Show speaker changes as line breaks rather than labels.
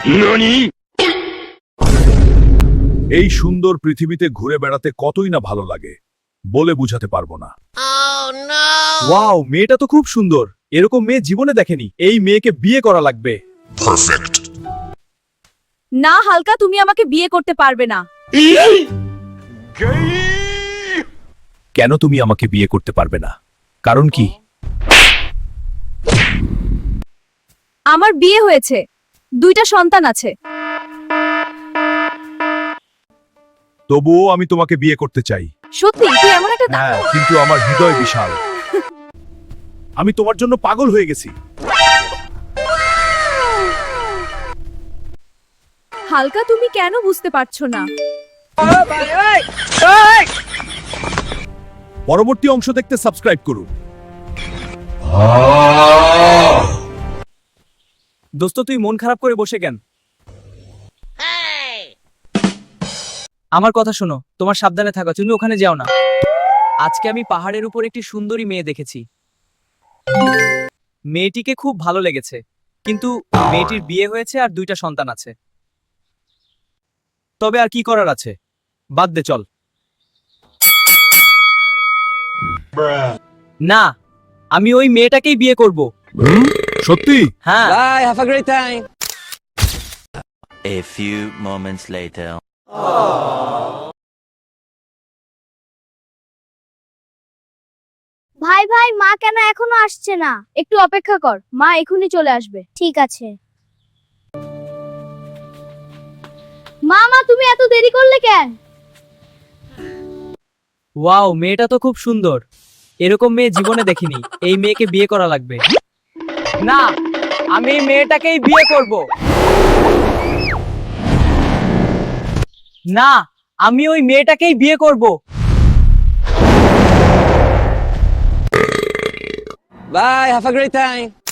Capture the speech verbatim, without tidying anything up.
এই সুন্দর পৃথিবীতে ঘুরে বেড়াতে কতই না ভালো লাগে বলে বুঝাতে পারবো না।
ওয়াও, মেয়েটা তো খুব সুন্দর। এরকম মেয়ে জীবনে দেখেনি। এই মেয়েকে বিয়ে করা লাগবে।
না হালকা, তুমি আমাকে বিয়ে করতে পারবে না।
কেন তুমি আমাকে বিয়ে করতে পারবে না? কারণ কি?
আমার বিয়ে হয়েছে, দুইটা সন্তান আছে।
তবুও আমি তোমাকে বিয়ে করতে চাই।
সত্যি তুই এমন একটা দা-
হ্যাঁ, কিন্তু আমার হৃদয় বিশাল। আমি তোমার জন্য পাগল হয়ে গেছি।
হালকা, তুমি কেন বুঝতে পারছো না?
পরবর্তী অংশ দেখতে সাবস্ক্রাইব করুন।
দোস্ত, তুই মন খারাপ করে বসে কেন? আমার কথা শোনো, তোমার সাবধানে থাকো, তুমি ওখানে যাও না। আজকে আমি পাহাড়ের উপর একটি সুন্দরী মেয়ে দেখেছি। মেয়েটিকে খুব ভালো লেগেছে, কিন্তু মেয়েটির বিয়ে হয়েছে আর দুইটা সন্তান আছে। তবে আর কি করার আছে, বাদ দে, চল। না, আমি ওই মেয়েটাকেই বিয়ে করব।
সত্যি?
হ্যাঁ।
Bye, have a great time.
A few moments later.
ভাই ভাই, মা কেন এখনো আসছে না? একটু অপেক্ষা কর, মা এখনই চলে আসবে। ঠিক আছে। মা মা, তুমি এত দেরি করলে কেন?
ওয়াও, মেয়েটা তো খুব সুন্দর। এরকম মেয়ে জীবনে দেখিনি। এই মেয়েকে বিয়ে করা লাগবে। না, আমি এই মেয়েটাকেই বিয়ে করব। না, আমি ওই মেয়েটাকেই বিয়ে করব।
Bye, have a great time.